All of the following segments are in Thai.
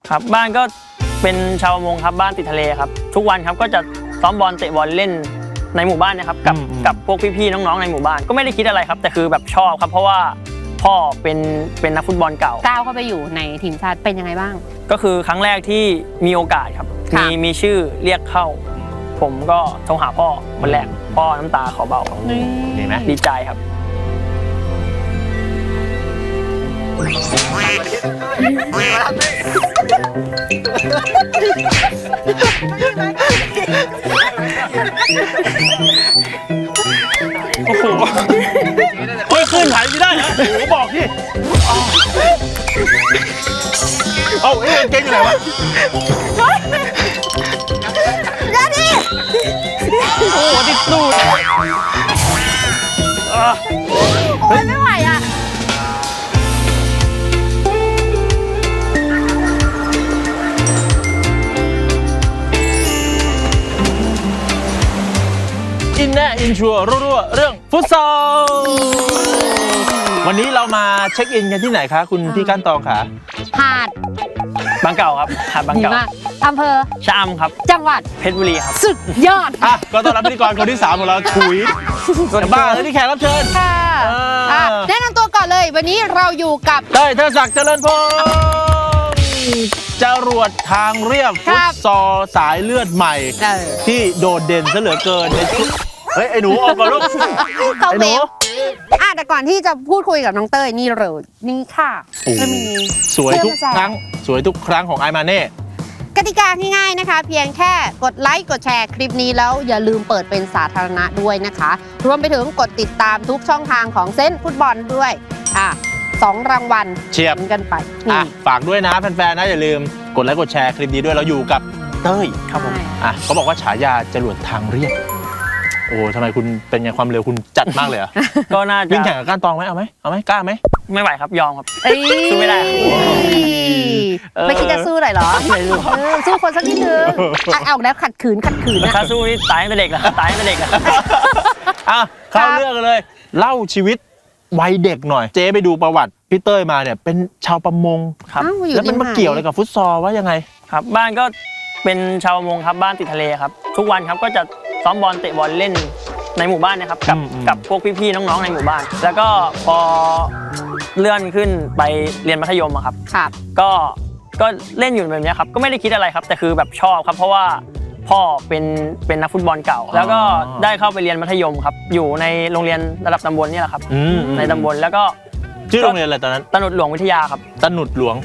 ครับบ้านก็เป็นชาวประมงครับบ้านติดทะเลครับทุกวันครับก็จะซ้อมบอลเตะบอลเล่นในหมู่บ้านนะครับกับพวกพี่ๆน้องๆในหมู่บ้านก็ไม่ได้คิดอะไรครับแต่คือแบบชอบครับเพราะว่าพ่อเป็นนักฟุตบอลเก่าก้าวเข้าไปอยู่ในทีมชาติเป็นยังไงบ้างก็คือครั้งแรกที่มีโอกาสครับมีชื่อเรียกเข้าผมก็โทรหาพ่อคนแรกพ่อน้ำตาขอเบาเห็นไหมดีใจครับโอ้โหเฮ้ยขึ้นถ่ายไม่ได้เหรอโอ้โหบอกที่เอาเอ้ยเก่งอยู่ไหนวะโอ้โหติดตูดโอ้ยไม่ไหวอ่ะอินแน่อินชัวร์รั่วๆเรื่องฟุตซอลวันนี้เรามาเช็คอินกันที่ไหนคะคุณพี่ก้านตองคะหาดบางเก่าครับหาดบางเก่าอำเภอชะอำครับจังหวัดเพชรบุรีครับสุดยอดก็ต้อนรับพิธีกรคนที่3ของเราถุยบ้าแล้วที่แขกรับเชิญค่ะแนะนำตัวก่อนเลยวันนี้เราอยู่กับเต้ยเทิดศักดิ์เจริญพงษ์จรวดทางเรียบฟุตซอลสายเลือดใหม่ที่โดดเด่นซะเหลือเกินในชุดเฮ้ยไอ้หนูออกก่อนลูกไอ้หนูแต่ก่อนที่จะพูดคุยกับน้องเต้ยนี่เลยนี่ค่ะจะมีสวยทุกครั้งสวยทุกครั้งของไอมาเน่กติกาง่ายๆนะคะเพียงแค่กดไลค์กดแชร์คลิปนี้แล้วอย่าลืมเปิดเป็นสาธารณะด้วยนะคะรวมไปถึงกดติดตามทุกช่องทางของเซนฟุตบอลด้วย2 รางวัลเชียบกันไปฝากด้วยนะแฟนๆนะอย่าลืมกดไลค์กดแชร์คลิปนี้ด้วยเราอยู่กับเต้ยครับผมเขาบอกว่าฉายาจรวดทางเรียบโอ้ทำไมคุณเป็นไงความเร็วคุณจัดมากเลยอ่ะก็น่าจะวิ่งแข่งกับก้านตองไหมเอาไหมกล้าไหมไม่ไหวครับยอมครับสู้ไม่ได้ไม่คิดจะสู้หน่อยเหรอสู้คนสักนิดนึงเอาแล้วขัดขืนนะถ้าสู้นี่ตายตั้งแต่เด็กแล้วตายตั้งแต่เด็กแล้วเข้าเรื่องกันเลยเล่าชีวิตวัยเด็กหน่อยเจ๊ไปดูประวัติพี่เต้ยมาเนี่ยเป็นชาวประมงครับแล้วมันมาเกี่ยวอะไรกับฟุตซอลว่ายังไงครับบ้านก็เป็นชาวประมงครับบ้านติดทะเลครับทุกวันครับก็จะซ้อมบอลเตะบอลเล่นในหมู่บ้านนะครับกับพวกพี่ๆน้องๆในหมู่บ้านแล้วก็พอเลื่อนขึ้นไปเรียนมัธยมครับก็เล่นอยู่แบบนี้ครับก็ไม่ได้คิดอะไรครับแต่คือแบบชอบครับเพราะว่าพ่อเป็นนักฟุตบอลเก่าแล้วก็ได้เข้าไปเรียนมัธยมครับอยู่ในโรงเรียนระดับตำบลนี่แหละครับในตำบลแล้วก็ชื่อโรงเรียนอะไรตอนนั้นตะหนดหลวงวิทยาครับตะหนดหลวง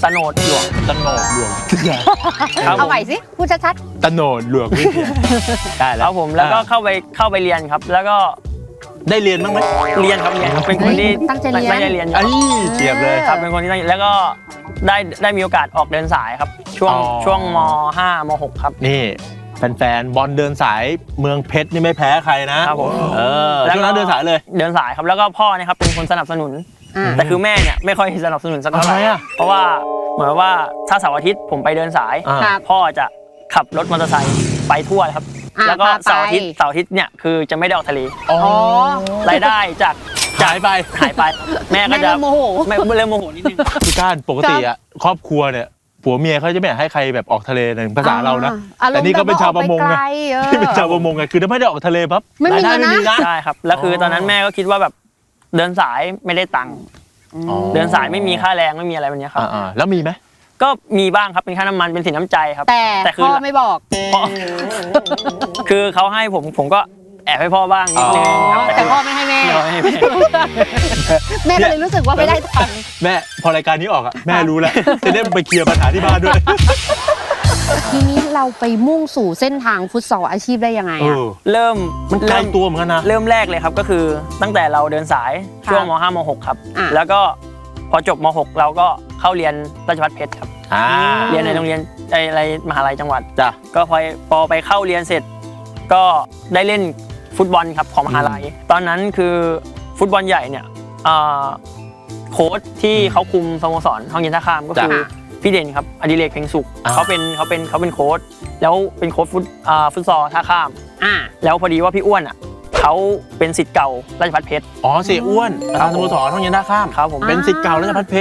เอาใหม่สิพูดชัดๆตะหนดหลวงวิทยาได้แล้วครับผมแล้วก็เข้าไปเรียนครับแล้วก็ได้เรียนบ้างไหมเรียนครับเป็นคนที่ตั้งใจเรียนไม่ได้เรียนเจียบเลยครับเป็นคนที่แล้วก็ได้มีโอกาสออกเดินสายครับช่วงม.5 ม.6 ครับนี่แฟนๆบอลเดินสายเมืองเพชรนี่ไม่แพ้ใครนะครับผมแล้วนั้นเดินสายเลยเดินสายครับแล้วก็พ่อเนี่ยครับเป็นคนสนับสนุนแต่คือแม่เนี่ยไม่ค่อยสนับสนุนสักเท่าไหร่เพราะว่าเหมือนว่าถ้าเสาร์อาทิตย์ผมไปเดินสายพ่อจะขับรถมอเตอร์ไซค์ไปทั่วครับแล้วก็เสาร์อาทิตย์เนี่ยคือจะไม่ได้ออกทะเลรายได้จากหายไปแม่ก็จะโมโหนิดนึงพี่ก้านปกติอ่ะครอบครัวเนี่ยผัวเมียเขาจะไม่ให้ใครแบบออกทะเลในภาษาเรานะแต่นี่ก็เป็นชาวประมงไงที่เป็นชาวประมงไงคือถ้าไม่ได้ออกทะเลปั๊บรายได้ไม่มีนะใช่ครับแล้วคือตอนนั้นแม่ก็คิดว่าแบบเดินสายไม่ได้ตังค์เดินสายไม่มีค่าแรงไม่มีอะไรแบบนี้ครับแล้วมีไหมก็มีบ้างครับเป็นค่าน้ำมันเป็นสินน้ำใจครับแต่พ่อไม่บอกคือเขาให้ผมก็แอบให้พ่อบ้างนิดนึงแต่พ่อไม่ให้แม่แม่ก็เลยรู้สึกว่าไม่ได้ตังค์แม่พอรายการนี้ออกแม่รู้แล้วจะได้ไปเคลียร์ปัญหาที่บ้านด้วยทีนี้เราไปมุ่งสู่เส้นทางฟุตซอลอาชีพได้ยังไงเริ่มมันไกลตัวเหมือนกันนะเริ่มแรกเลยครับก็คือตั้งแต่เราเดินสายช่วงม.5 ม.6 ครับแล้วก็พอจบม.6 เราก็เข้าเรียนราชภัฏเพชรครับเรียนในโรงเรียนอะไรมหาลัยจังหวัดจ้ะก็พอไปเข้าเรียนเสร็จก็ได้เล่นฟุตบอลครับของมหาลัยตอนนั้นคือฟุตบอลใหญ่เนี่ยโค้ชที่เขาคุมสโมสรห้องเย็นท่าข้ามก็คือพี่เด่นครับอดิเรกเพ็งสุขเขาเป็นโค้ชแล้วเป็นโค้ชฟุตซอลท่าข้ามแล้วพอดีว่าพี่อ้วนเขาเป็นศิษย์เก่าราชภัฏเพชรเสียอ้วนประธานสโมสรห้องเย็นท่าข้ามครับผมเป็นศิษย์เก่าราชภัฏเพชร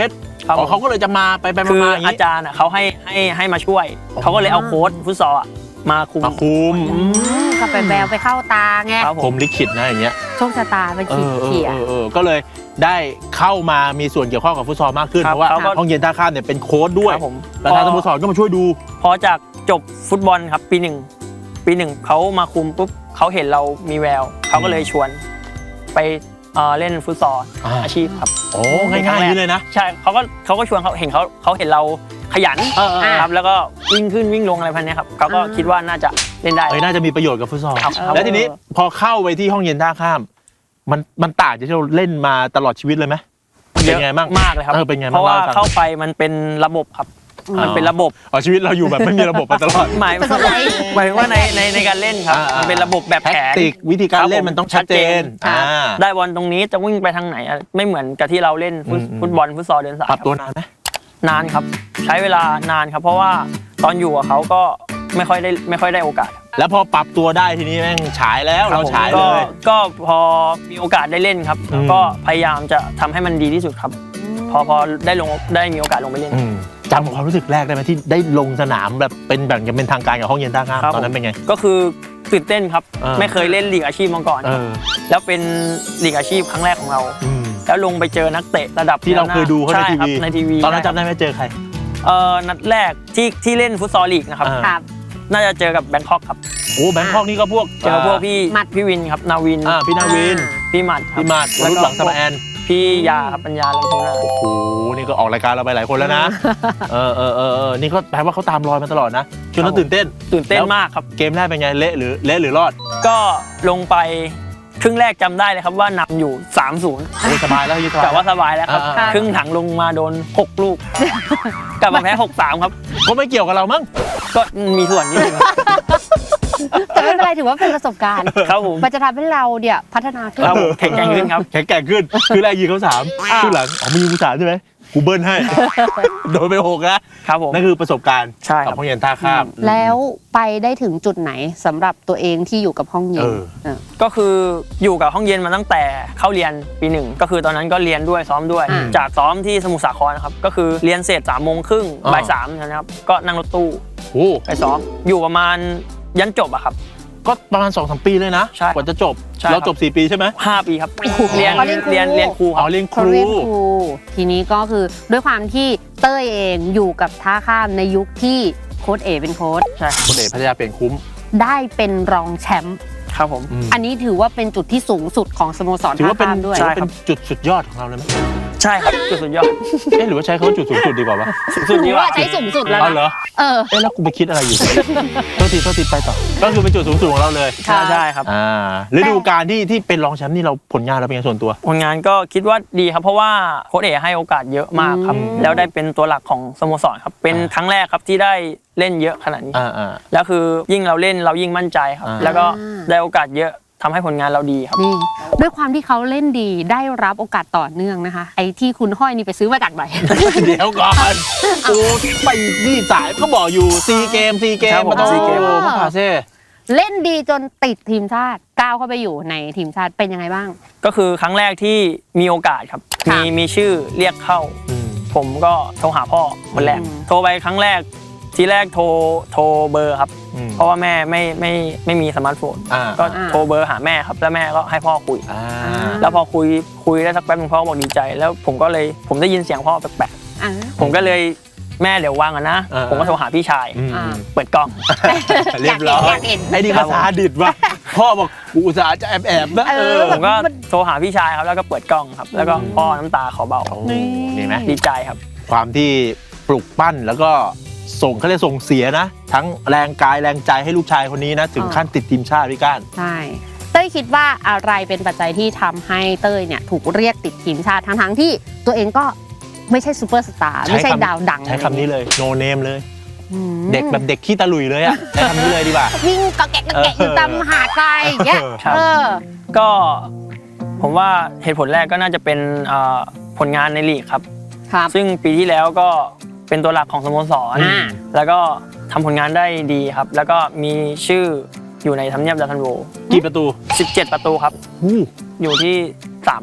ครับอ๋อเขาก็เลยจะมาไปคือมาอย่างอานี้จารย์เขาให้มาช่วย เขาก็เลยเอาโค้ชฟุตซอลมาคุมมาคุมก็ไปแววไปเข้าตาไงครับผผม มลิขิตนะอย่างเงี้ยโชคชะตาเป็นขีดเขียก็เลยได้เข้ามามีส่วนเกี่ยวข้องกับฟุตซอลมากขึ้นครับเพราะว่าเขาก็ห้องเย็นท่าข้ามเนี่ยเป็นโค้ชด้วยครับผมประธานสโมสรก็มาช่วยดูพอจากจบฟุตบอลครับปีหนึ่งเขามาคุมปุ๊บเขาเห็นเรามีแววเขาก็เลยชวนไปเล่นฟุตซอลอาชีพครับโอ้ง่ายๆอย่างนี้เลยนะใช่เขาก็ชวนเขาเห็นเราขยัน ครับแล้วก็วิ่งขึ้นวิ่งลงอะไรพันนี้ครับเขาก็คิดว่าน่าจะเล่นได้น่าจะมีประโยชน์กับฟุตซอลครับแล้วทีนี้พอเข้าไปที่ห้องเย็นท่าข้าม มันต่างจากที่เราเล่นมาตลอดชีวิตเลยไหมเป็นไงบ้างมากเลยครับเป็นไงบ้างเพราะว่าล่ให้ฟังเข้าไปมันเป็นระบบครับ มันเป็นระบบอ๋อชีวิตเราอยู่แบบไม่มีระบบมาตลอดหมายถึงว่าในการเล่นครับมันเป็นระบบแบบแท็แผกนติกวิธีการเล่นมันต้องชัดเจนได้บอลตรงนี้จะวิ่งไปทางไหนไม่เหมือนกับที่เราเล่นฟุตบอลฟุตซอลเดินสายปรับตัวนานไหมนานครับ ใช้เวลานานครับ เพราะว่าตอนอยู่กับเขาก็ไม่ค่อยได้โอกาสแล้วพอปรับตัวได้ทีนี้แม่งฉายแล้วเราฉายเลยก็พอมีโอกาสได้เล่นครับอืมก็พยายามจะทำให้มันดีที่สุดครับ พอได้มีโอกาสลงไปเล่นจำความรู้สึกแรกได้ไหมที่ได้ลงสนามแบบเป็นแบ่งกันเป็นทางการกับห้องเย็นท่าข้ามครับตอนนั้นเป็นไงก็คือตื่นเต้นครับอ่าไม่เคยเล่นลีกอาชีพมาก่อน แล้วเป็นลีกอาชีพครั้งแรกของเรา แล้วลงไปเจอนักเตะระดับที่เราเคยดูเขาในช่ทีครับวีในทีวีตอนนั้นจำได้ไหมเจอใครนัดแรกที่เล่นฟุตซอลลีกนะครับอ่าครับน่าจะเจอกับแบงคอกครับโอ้แบงคอกนี่ก็พวกเจอพวกพี่หมัดพี่วินครับนาวินพี่นาวินพี่หมัดครับพี่มาดวรุษหวังสมาแอนพี่ยาครับปัญญาลังทุนาโอ้โหนี่ก็ออกรายการเราไปหลายคนแล้วนะนี่ก็แปลว่าเขาตามรอยมาตลอดนะจนเราตื่นเต้นตื่นเต้นมากครับเกมแรกเป็นไงเละหรือรอดก็ลงไปครึ่งแรกจำได้เลยครับว่านำอยู่ 3-0 โอ้สบายแล้วยี่สบายแต่ว่าสบายแล้วครับอ่าครึ่งถังลงมาโดน 6 ลูก กลับมาแพ้ 6-3 ครับก็ไม่เกี่ยวกับเรามั้งก็มีส่วนนิดนึงครับแต่ไม่เป็นไรถือว่าเป็นประสบการณ์ครับผมมันจะทำให้เราเนี่ยพัฒนาขึ้นครับผมแข็งแกร่งขึ้นครับแข็งแกร่งขึ้น คือแรกยิงเขา3คือหลังมึงยิงกู3ใช่ไหมกูเบิ้ลให้ โดนไป6นะครับผมนั่นคือประสบการณ์ใช่ครับกับห้องเย็นท่าข้ามแล้วไปได้ถึงจุดไหนสำหรับตัวเองที่อยู่กับห้องเย็นก็คืออยู่กับห้องเย็นมาตั้งแต่เข้าเรียนปี 1ก็คือตอนนั้นก็เรียนด้วยซ้อมด้วย จากซ้อมที่สมุทรสาครนะครับก็คือเรียนเสร็จ3:30 บ่าย 3นะครับก็นั่งรถตู้โอ้ไปซ้อมอยู่ประมาณยันจบอะครับก็ประมาณ 2-3 ปีเลยนะใช่กว่าจะจบใช่ครับเราจบ4 ปีใช่ไหม 5 ปีครับเรียนเขาเรียนครูเรียนครูคอ๋รัอบ เรียนคเขารูเรียนครูทีนี้ก็คือด้วยความที่เต้ยเองอยู่กับท่าข้ามในยุคที่โค้ชเอเป็นโค้ชใช่ครับคนเอกพัทยาเปลี่ยนคุ้มได้เป็นรองแชมป์ครับผมอันนี้ถือว่าเป็นจุดที่สูงสุดของสโมสรถือท่าว่าเป็นข้ามด้วยถือว่าเป็นจุดสุดยอดของเราเลยไหมใช่ครับจุดสุดยอดหรือว่าใช้คำว่าจุดสูงสุดดีกว่าวะสุดถืดีอว่าว่าใช้สูงสุดแล้วอ๋อเหรนะอแล้วกูไปคิดอะไรอยู่ โทษทีไปต่อ ก็คือเป็นจุดสูงสุดของเราเลยใช่ครับฤดูกาลที่เป็นรองแชมป์นี่เราผลงานเราเป็นไงส่วนตัวผลงานก็คิดว่าดีครับเพราะว่าโค้ชเอกให้โอกาสเยอะมากครับ แล้วได้เป็นตัวหลักของสโมสรครับเป็นครั้งแรกครับที่ได้เล่นเยอะขนาดนี้ แล้วคือยิ่งเราเล่นเรายิ่งมั่นใจครับ แล้วก็ได้โอกาสเยอะทำให้ผลงานเราดีครับนี่ด้วยความที่เขาเล่นดีได้รับโอกาสต่อเนื่องนะคะ ไอ้ที่คุณห้อยนี่ไปซื้อมาจากไหนเดี๋ยวก่อนกูไปนี่สายก็บอกอยู่ซีเกมครับผมมาต้องซีเกมพระพาเซ่เล่นดีจนติดทีมชาติก้าวเข้าไปอยู่ในทีมชาติเป็นยังไงบ้างก็คือครั้งแรกที่มีโอกาสครับค่ะมีชื่อเรียกเข้า ผมก็โทรหาพ่อคนแรก โทรไปครั้งแรกทีแรกโทรเบอร์ครับ เพราะว่าแม่ไม่มีสมาร์ทโฟน ก็โทรเบอร์หาแม่ครับแล้วแม่ก็ให้พ่อคุย แล้วพอคุยได้สักแป๊บนึงพ่อบอกดีใจ แล้วผมได้ยินเสียงพ่อแปลกๆผมก็เลยแม่เดี๋ยววางก่อนนะ ผมก็โทรหาพี่ชาย เปิดกล้องเรียบร้อยอยากเห็นไอ้นี่ภาษาดิดว่ะพ่อบอกกูอุตส่าห์จะแอบนะผมก็โทรหาพี่ชายครับแล้วก็เปิดกล้องครับ แล้วก็พ่อน้ำตาขอเบานี่ไหมดีใจครับความที่ปลุกปั้นแล้วก็เขาเรียกส่งเสียนะ ทั้งแรงกายแรงใจให้ลูกชายคนนี้นะ ถึงขั้นติดทีมชาติพี่ก้านใช่เต้ยคิดว่าอะไรเป็นปัจจัยที่ทำให้เต้ยเนี่ยถูกเรียกติดทีมชาติทั้งๆที่ตัวเองก็ไม่ใช่ซูเปอร์สตาร์ไม่ใช่ดาวดังใช้คำนี้เลยโนเนมเลยอืมเด็กแบบเด็กขี้ตะลุยเลยอ่ะใช้คำนี้เลยดีกว่าวิ่งกะแกะอยู่ตามหาดทรายอย่างเงี้ยครับ ก็ผมว่าเหตุผลแรกก็น่าจะเป็นผลงานในลีกครับครับซึ่งปีที่แล้วก็เป็นตัวหลักของสโมสร แล้วก็ทำผลงานได้ดีครับ แล้วก็มีชื่ออยู่ในทำเนียบดาวซันโวกี่ประตู 17 ประตูครับ อยู่ที่3ร่วม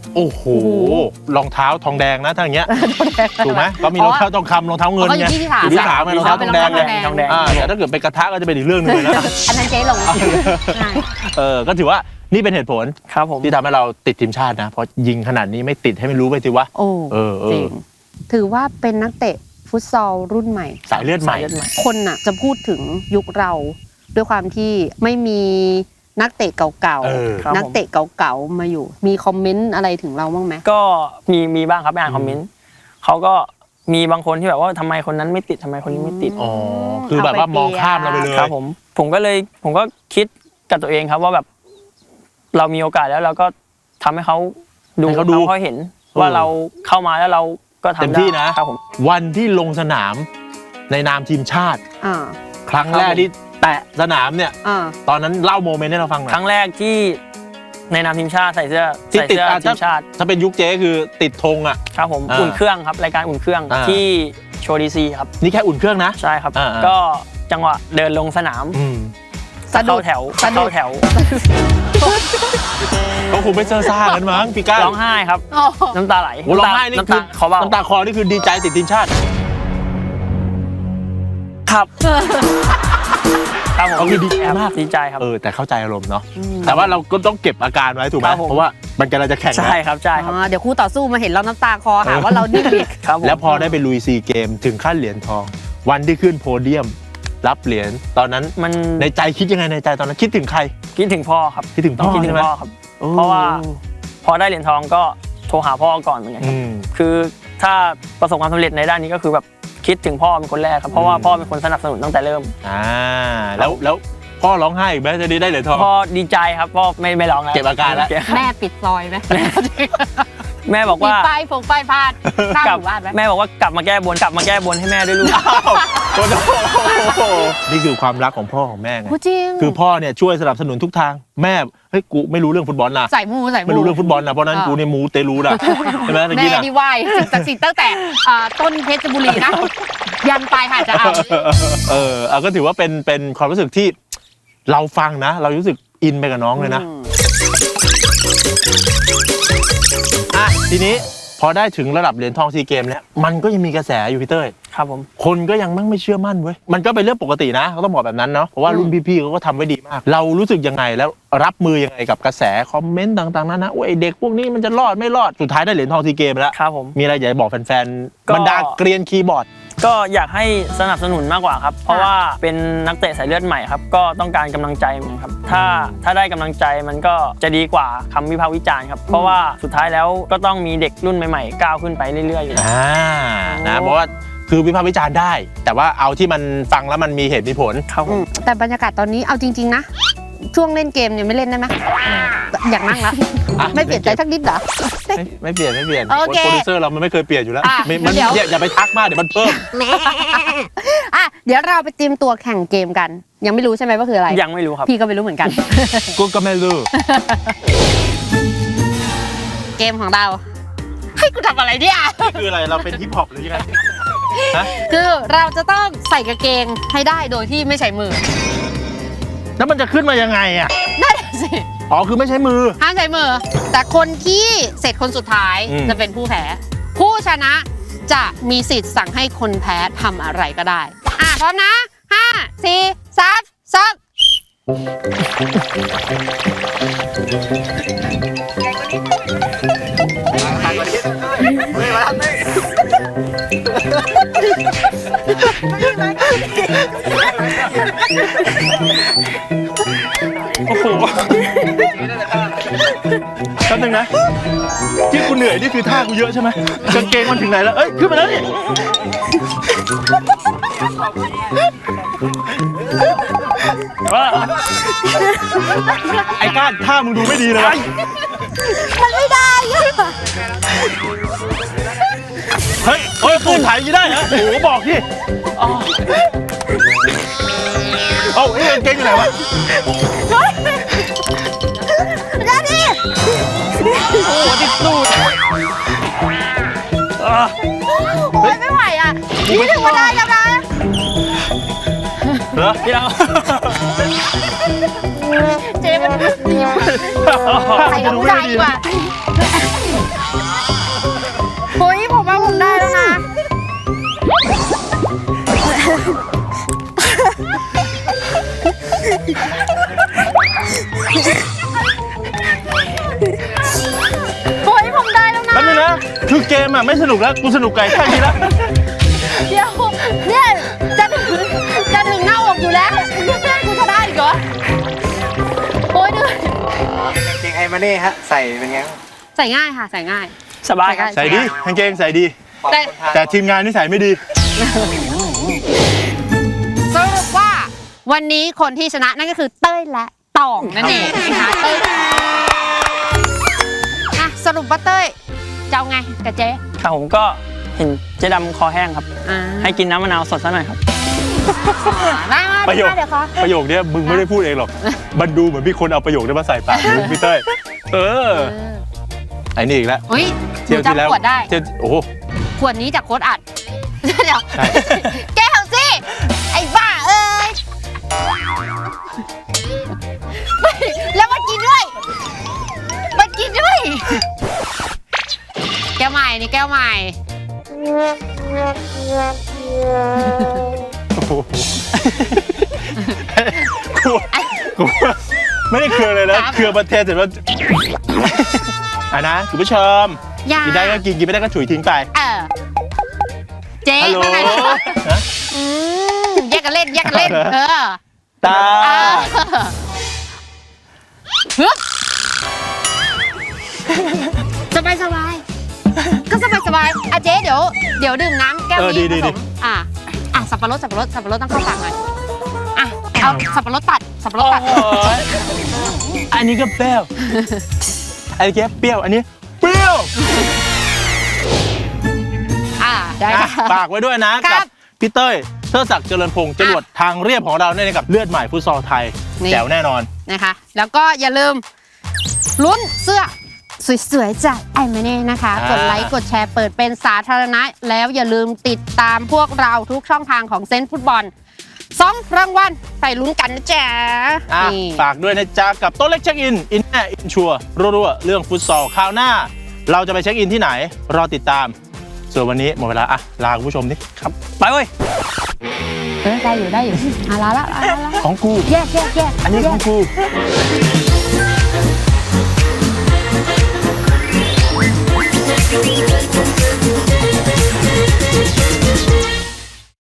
โอ้โหรองเท้าทองแดงนะถ้าอย่างเงี้ยถูกไหมก็มีรองเท้าทองคำรองเท้าเงินไงอยู่ที่ขาไงรองเท้าทองแดงไงแต่ถ้าเกิดเป็นกระทะก็จะเป็นอีกเรื่องนึงเลยนะอันนั้นเจ๊ลงก็ถือว่านี่เป็นเหตุผลครับผมที่ทำให้เราติดทีมชาตินะเพราะยิงขนาดนี้ไม่ติดให้ไม่รู้ไปสิวะโอ้จริงถือว่าเป็นนักเตะฟุตซอลรุ่นใหม่สายเลือดใหม่คนน่ะจะพูดถึงยุคเราด้วยความที่ไม่มีนักเตะเก่าๆนักเตะเก่าๆมาอยู่มีคอมเมนต์อะไรถึงเราบ้างไหมก็มีบ้างครับไปอ่านคอมเมนต์เขาก็มีบางคนที่แบบว่าทำไมคนนั้นไม่ติดทำไมคนนี้ไม่ติดคือแบบว่ามองข้ามเราไปเลยครับผมก็คิดกับตัวเองครับว่าแบบเรามีโอกาสแล้วเราก็ทำให้เขาดูเขาเห็นว่าเราเข้ามาแล้วเราก็ทำได้เต็มที่นะครับผมวันที่ลงสนามในนามทีมชาติครั้งแรกที่แตะสนามเนี่ยตอนนั้นเล่าโมเมนต์ให้เราฟังหน่อยครั้งแรกที่ในนามทีมชาติใส่เสื้อทีมชาติถ้าเป็นยุคเจ๊คือติดธงอ่ะครับผมอุ่นเครื่องครับรายการอุ่นเครื่องที่โชว์ดีซีครับนี่แค่อุ่นเครื่องนะใช่ครับก็จังหวะเดินลงสนามเข้าแถวเขาคงไม่เซอร์ซ่ากันมั้งพี่ก้าร้องไห้ครับน้ำตาไหลร้องไห้นี่คือน้ำตาคลอนี่คือดีใจติดทีมชาติครับเขาคือดีใจมากดีใจครับแต่เข้าใจอารมณ์เนาะแต่ว่าเราก็ต้องเก็บอาการไว้ถูกไหมเพราะว่ามันกำลังจะแข่งใช่ครับเดี๋ยวคู่ต่อสู้มาเห็นเราน้ำตาคลอหาว่าเราดิ้นอีกแล้วพอได้ไปลุยซีเกมถึงขั้นเหรียญทองวันที่ขึ้นโพเดียมรับเหรียญตอนนั้นมันในใจคิดยังไงในใจตอนนั้นคิดถึงใครคิดถึงพ่อครับคิดถึงพ่อครับเพราะว่าพอได้เหรียญทองก็โทรหาพ่อก่อนเหมือนกันคือถ้าประสบความสำเร็จในด้านนี้ก็คือแบบคิดถึงพ่อเป็นคนแรกครับเพราะว่าพ่อเป็นคนสนับสนุนตั้งแต่เริ่มแล้วพ่อร้องไห้อีกไหมจะได้เหรียญทองพ่อดีใจครับพ่อไม่ร้องแล้วเก็บอาการแล้วแม่ปิดซอยไหมแม่บอกว่าป้ายพาดข้ามหมู่บ้านไหมแม่บอกว่ากลับมาแก้บนให้แม่ด้วยลูกนี่คือความรักของพ่อของแม่ไงจริงคือพ่อเนี่ยช่วยสนับสนุนทุกทางแม่เฮ้ยกูไม่รู้เรื่องฟุตบอลนะใส่มูไม่รู้เรื่องฟุตบอลนะเพราะนั้นกูในมูเตลูนะใช่ไหมแม่นี่ไหวศักดิ์สิทธิ์ตั้งแต่ต้นเพชรบุรีนะยันปลายหาดจะเอาก็ถือว่าเป็นความรู้สึกที่เราฟังนะเรารู้สึกอินไปกับน้องเลยนะทีนี้พอได้ถึงระดับเหรียญทองซีเกมแล้วมันก็ยังมีกระแสอยู่พี่เต้ยครับผมคนก็ยังไม่เชื่อมั่นเว้ยมันก็เป็นเรื่องปกตินะเขาต้องบอกแบบนั้นเนาะเพราะว่ารุ่นพี่ๆเขาก็ทำไว้ดีมากเรารู้สึกยังไงแล้วรับมือยังไงกับกระแสคอมเมนต์ต่างๆนั้นนะโอ้ยเด็กพวกนี้มันจะรอดไม่รอดสุดท้ายได้เหรียญทองซีเกมแล้วครับผมมีอะไรอยากบอกแฟนๆบรรดาเกรียนคีย์บอร์ดก็อยากให้สนับสนุนมากกว่าครับเพราะว่าเป็นนักเตะสายเลือดใหม่ครับก็ต้องการกำลังใจเหมือนครับถ้าได้กำลังใจมันก็จะดีกว่าคำวิพากษ์วิจารณ์ครับเพราะว่าสุดท้ายแล้วก็ต้องมีเด็กรุ่นใหม่ๆก้าวขึ้นไปเรื่อยๆอยู่นะเพราะว่าคือวิพากษ์วิจารณ์ได้แต่ว่าเอาที่มันฟังแล้วมันมีเหตุมีผลครับแต่บรรยากาศตอนนี้เอาจริงๆนะช่วงเล่นเกมเนี่ยไม่เล่นได้ไหมอยากนั่งแล้วไม่เปลี่ยนใจสักนิดเหรอไม่เปลี่ยนโปรดิวเซอร์เรามันไม่เคยเปลี่ยนอยู่แล้วมันอย่าไปทักมากเดี๋ยวมันเพิ่มเดี๋ยวเราไปเตรียมตัวแข่งเกมกันยังไม่รู้ใช่ไหมว่าคืออะไรยังไม่รู้ครับพี่ก็ไม่รู้เหมือนกันกูก็ไม่รู้เกมของเราให้กูทำอะไรเนี่ยคืออะไรเราเป็นฮิปฮอปหรือยังไงคือเราจะต้องใส่กางเกงให้ได้โดยที่ไม่ใช้มือแล้วมันจะขึ้นมายังไงอ่ะนั่นสิคือไม่ใช้มือห้ามใช้มือแต่คนที่เสร็จคนสุดท้ายจะเป็นผู้แพ้ผู้ชนะจะมีสิทธิ์สั่งให้คนแพ้ทำอะไรก็ได้พร้อมนะ5 4 3 2 โอ้โหแป๊บนึงนะที่กูเหนื่อยนี่คือท่ากูเยอะใช่ไหมกางเกงมันถึงไหนแล้วเอ้ยขึ้นมาแล้วนี่ไอ้ก้านท่ามึงดูไม่ดีเลยมันไม่ได้เฮ้ยสูดถ่ายยังได้เหรอโอ้โหบอกที่เอาไอ้กางเกงอยู่ไหนวะได้ดิโอ้ติดตูดไม่ไหวอ่ะนี่ถึงมาได้แล้วนะเหรอพี่เราเจ๊มันใส่กับผู้ชายดีกว่าเฮ้ยผมว่าผมได้แล้วนะ เฮ้ยผมได้แล้วนะแป๊บนึงนะคือเกมอ่ะไม่สนุกแล้วกูสนุกไก่แค่นี้แล้วเดี๋ยวเนี่ยจะถึงหน้าอกอยู่แล้วเนี่ยกูจะได้อีกเหรอโอ้ยเหนื่อยเกงไอมาเน่ฮะ ใส่เป็นไงใส่ง่ายค่ะใส่ง่ายสบายครับใส่ดีกางเกงใส่ดีแต่แต่ทีมงานนี่ใส่ไม่ดีสรุปว่าวันนี้คนที่ชนะนั่นก็คือเต้ยและตองนั่นเองนะคะเต้ยอ่ะสรุปว่าเต้ยจะเอาไงกับเจ๊ครับผมก็เห็นเจ๊ดำคอแห้งครับอ่าให้กินน้ำมะนาวสดซะหน่อยครับมาประโยคเดี๋ยวขอประโยคเนี้ยมึงไม่ได้พูดเองหรอก มันดูเหมือนมีคนเอาประโยคนี้มาใส่ปากมึงพี่เต้ยเออไอ้นี่อีกแล้วอุ้ยหเที่ยวนูที่แล้วจำขวดได้เที่ยวโอ้โหขวดนี้จากโค้ดอัด เดี๋ยวใช่แก้วสิ ไอ้บ้าเอ้ยแล้วมากินด้วยมากินด้วย แก้วใหม่นี่แก้วใหม่โอ้โหกูไม่ได้เครือเลยนะเครือประเทศเสร็จแล้วอ่ะนะคุณผู้ชมอย่ากินได้ก็กินกินไม่ได้ก็ฉุยทิ้งไปเจ๊ฮัลโหลว่าไงฮะแยกกันเล่นแยกกันเล่นตาฮึบสบายสบายก็สบายสบายอ่ะเจ๊เดี๋ยวดื่มน้ำแก้วนี้ผสมสับปะรดต้องเข้าปากหน่อยอ่ะเอาสับปะรดตัดอันนี้ก็เปรี้ยวอันนี้เปรี้ยวอันนี้เปรี้ยวได้อ่ะค่ะฝากไว้ด้วยนะครับ กับพี่เต้ยเทิดศักดิ์เจริญพงศ์จรวดทางเรียบของเราเนี่ยกับเลือดใหม่ฟุตซอลไทยนี่แจ๋วแน่นอนนะคะ แล้วก็อย่าลืมลุ้นเสื้อสวยๆจากไอมาเน่นะคะอ่ากดไลค์กดแชร์เปิดเป็นสาธารณะ แล้วอย่าลืมติดตามพวกเราทุกช่องทางของเซนต์ฟุตบอล2 รางวัลไปลุ้นกันนะจ๊ะอ่ะนี่ฝากด้วยนะจ๊ะกับโต๊ะเล็กเช็คอินอินแน่อินชัวร์รัวๆเรื่องฟุตซอลคราวหน้า เราจะไปเช็คอินที่ไหนรอติดตาม ส่วนวันนี้หมดเวลาอ่ะลาคุณผู้ชมดิครับไปเว้ยได้อยู่ลาละของกูแยกอันนี้ของกู We'll be right back.